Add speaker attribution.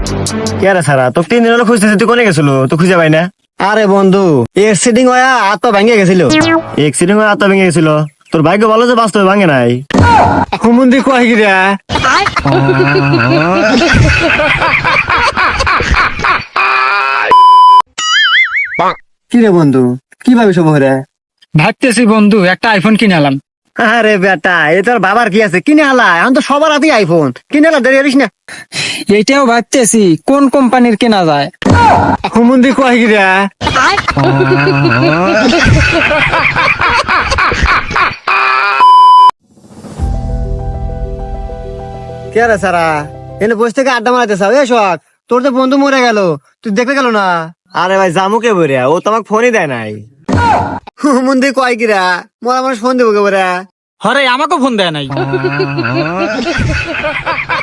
Speaker 1: কে রে সারা তো 3 দিন হলো খুঁজতেছি, তুই কোনে গেছিল? তো খুঁজে পাই না।
Speaker 2: আরে বন্ধু, এক্সিডিং হয়ে হাত পা ভেঙে গেছিল।
Speaker 1: এক্সিডেন্ট হয়ে হাত ভেঙে গেছিল? তোর ভাগ্য ভালো যে বাস্তবে ভাঙে নাই।
Speaker 2: হুমুন্দি কয় গিরা কি রে বন্ধু, কি ভাবিস বহরে?
Speaker 3: ভাবতেছি বন্ধু একটা আইফোন কিনে আলাম।
Speaker 2: আরে বেটা, এ তোর বাবার কি আছে, কিনে আলা। এখন তো সবার হাতেই আইফোন, কিনে আলা, দেরি করিস না।
Speaker 3: এইটাও ভাবতেছি কোন কোম্পানির কেনা যায়।
Speaker 2: হুমুন্দি কয় গিরা কে রে সারা, এনে বসে থেকে আড্ডা মারাতে চাও? এ শখ, তোর তো বন্ধু মরে গেল, তুই দেখতে গেল না?
Speaker 1: আরে ভাই জামুকে বইরা, ও তো আমাকে ফোনই দেয় নাই।
Speaker 2: হুমুন্দি কয় গিরা, মরা মানুষ ফোন দেবো কে বলে?
Speaker 3: হরে আমাকে ফোন দেয় নাই।